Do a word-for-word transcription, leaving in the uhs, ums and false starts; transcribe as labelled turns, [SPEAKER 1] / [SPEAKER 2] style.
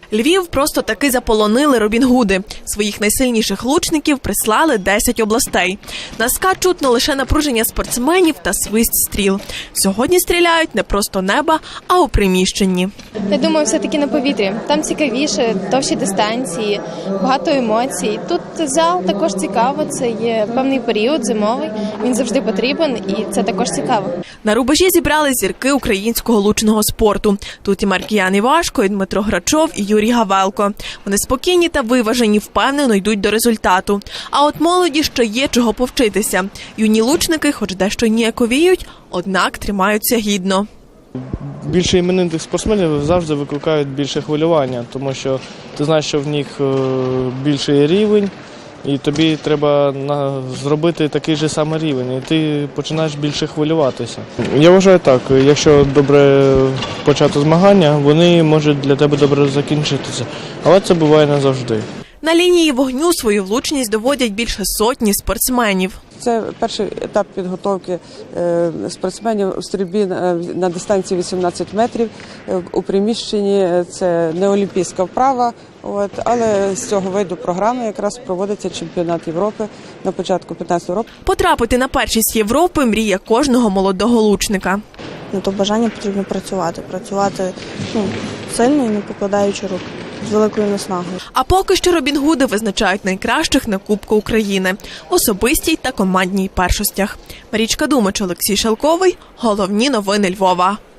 [SPEAKER 1] Львів просто таки заполонили робінгуди. Своїх найсильніших лучників прислали десять областей. На СКА чутно лише напруження спортсменів та свист стріл. Сьогодні стріляють не просто неба, а у приміщенні.
[SPEAKER 2] Я думаю, все-таки на повітрі. Там цікавіше, довші дистанції, багато емоцій. Тут зал також цікаво, це є певний період зимовий, він завжди потрібен і це також цікаво.
[SPEAKER 1] На рубежі зібрали зірки українського лучного спорту. Тут і Маркіян Івашко, і Дмитро Грачов, і Юрій Гавелко. Вони спокійні та виважені, впевнено йдуть до результату. А от молоді ще є чого повчитися. Юні лучники, хоч дещо ніяковіють, однак тримаються гідно.
[SPEAKER 3] Більше іменитих спортсменів завжди викликають більше хвилювання, тому що ти знаєш, що в них більший рівень, і тобі треба зробити такий же самий рівень, і ти починаєш більше хвилюватися. Я вважаю так, якщо добре почати змагання, вони можуть для тебе добре закінчитися, але це буває не завжди.
[SPEAKER 1] На лінії вогню свою влучність доводять більше сотні спортсменів.
[SPEAKER 4] Це перший етап підготовки спортсменів у стрільбі на дистанції вісімнадцять метрів. У приміщенні це не олімпійська вправа, от, але з цього виду програми якраз проводиться чемпіонат Європи на початку п'ятнадцятого року.
[SPEAKER 1] Потрапити на першість Європи – мрія кожного молодого лучника.
[SPEAKER 5] На то бажання потрібно працювати, працювати ну, сильно і не покладаючи рук. З великою наснагою.
[SPEAKER 1] А поки що робінгуди визначають найкращих на Кубку України – особистій та командній першостях. Марічка Думач, Олексій Шелковий. Головні новини Львова.